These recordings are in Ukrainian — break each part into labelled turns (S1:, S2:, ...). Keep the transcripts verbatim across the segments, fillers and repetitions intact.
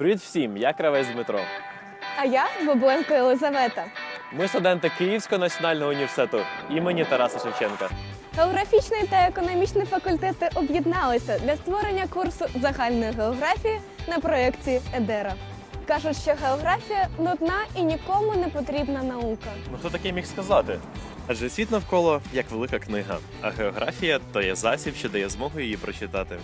S1: Привіт всім! Я Кравець Дмитро.
S2: А я Бабленко Єлизавета.
S1: Ми студенти Київського національного університету імені Тараса Шевченка.
S2: Географічний та економічний факультети об'єдналися для створення курсу загальної географії на проєкті Едера. Кажуть, що географія – нудна і нікому не потрібна наука.
S1: Ну хто таке міг сказати? Адже світ навколо як велика книга, а географія – то є засіб, що дає змогу її прочитати.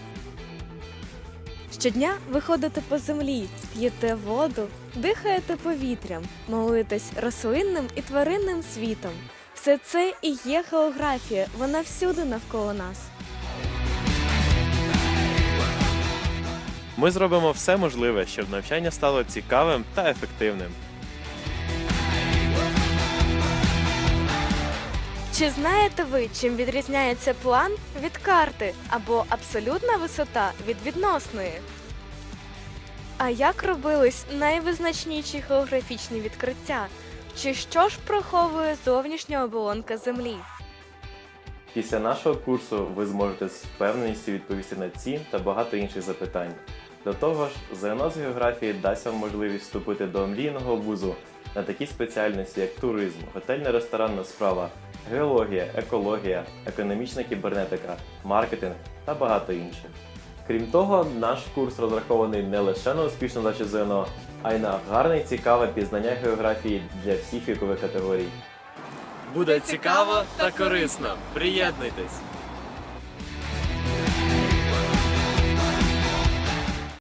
S3: Щодня ви ходите по землі, п'єте воду, дихаєте повітрям, милуєтесь рослинним і тваринним світом. Все це і є географія, вона всюди навколо нас.
S1: Ми зробимо все можливе, щоб навчання стало цікавим та ефективним.
S3: Чи знаєте ви, чим відрізняється план від карти або абсолютна висота від відносної? А як робились найвизначніші географічні відкриття? Чи що ж приховує зовнішня оболонка Землі?
S1: Після нашого курсу ви зможете з впевненістю відповісти на ці та багато інших запитань. До того ж, ЗНО з географії дасть вам можливість вступити до мрійного вузу на такі спеціальності, як туризм, готельно-ресторанна справа, геологія, екологія, економічна кібернетика, маркетинг та багато інших. Крім того, наш курс розрахований не лише на успішну здачу ЗНО, а й на гарне і цікаве пізнання географії для всіх вікових категорій. Буде цікаво та корисно! Приєднуйтесь!